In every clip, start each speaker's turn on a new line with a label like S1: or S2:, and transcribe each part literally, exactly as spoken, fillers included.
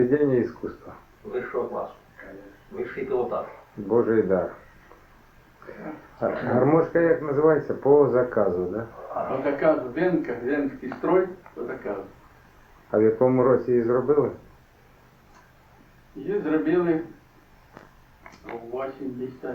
S1: Произведение искусства.
S2: Вищого класу. Вищий пілотаж.
S1: Божий дар. А гармошка як називається? По заказу, да?
S3: По заказу Венка, Венський строй, по заказу.
S1: А в якому році її зробили?
S3: Її зробили у вісімдесят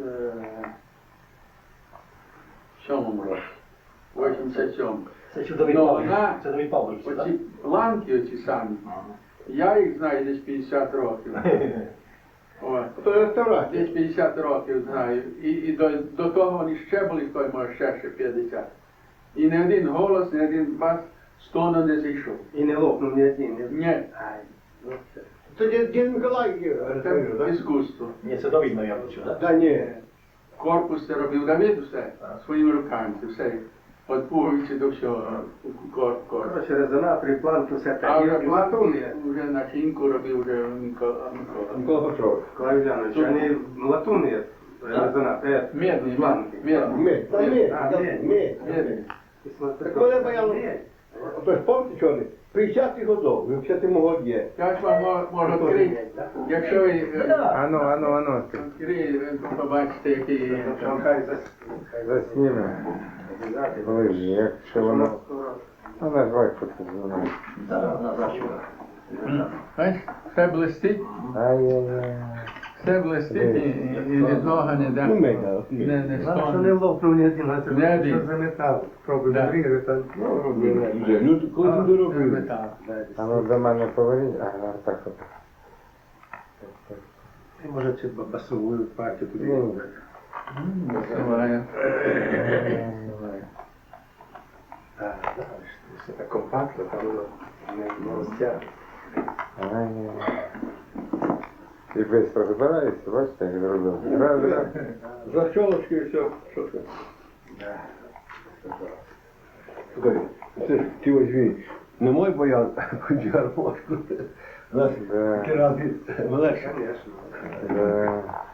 S3: сьомому році. вісімдесят сьомому.
S2: Це чудовий
S3: Ну,
S2: Павлович.
S3: вона-
S2: Це новий Павлович, так?
S3: Оці ланки оці самі, я їх знаю десь п'ятдесят років. От.
S4: То реставрація.
S3: Десь п'ятдесят років знаю. І, і до, до того вони ще були, той може ще ще п'ятдесят. І не один голос, не один бас з тону не зійшов.
S4: І не лопнув ні один. ні-
S3: Ні,
S4: Ай, ну це. То дід дід Миколай
S3: це
S4: реставрує, так?
S3: іскусство.
S2: Ні, це Давид, мабуть, так?
S4: Та ні.
S3: Корпус це робив Давид усе, своїми руками, це все. От пуговиці до всього, кор, кор.
S4: Коротше, резонатор і планки, все
S3: А
S4: так.
S3: вже
S4: І латуни.
S3: вже начинку робив вже Микола. Микола.
S4: Микола Петрович, Клавілянович, вони латуни, резонатор, е,
S3: Медний,
S4: планки.
S3: медний.
S5: Мед, та мед,
S4: А,
S5: та
S4: мед.
S5: мед.
S3: Медний.
S5: Так коли бояло, ото ж помните, що вони? п'ятдесят годов, ви в п'ятдесятому годі.
S3: Я ж вам мо- можу відкрити, якщо ви е,
S1: Ану, ану, ану. ти
S3: відкриєте, ви побачите, який
S4: Хай
S1: Засніме. Ближче, якщо воно... Ну, назвай тут воно.
S2: Так, вона зачула.
S3: Бачиш, все блистить,
S1: Ай-яй-яй.
S3: все блистить і, і, і від нога не да.
S5: Ну, меда,
S3: Не, не
S4: Що не
S3: стане.
S4: лопнув ні один, а це
S3: Не один.
S4: що за метал. Пробуй
S3: Да.
S4: врізати.
S5: Ну, робили. Вже, ну, коли
S3: А,
S5: ти
S3: це
S5: доробив.
S3: метал.
S1: А ну до мене поверніть. Ага, так от.
S4: Ти може чи басову партію туди.
S1: Ну,
S3: Буває.
S4: Так, так, все так компактно, там воно не, не розтягне.
S1: Ай-яй-яй. І швидко збирається, бачите, як зробив. Раз, раз.
S5: Защолочки і все. Що це? Слухай, це ж ти возьми. Не мой боян, хоч гармошку. Нас
S1: Да.
S5: такі рази легше.
S4: Звісно.
S1: Да.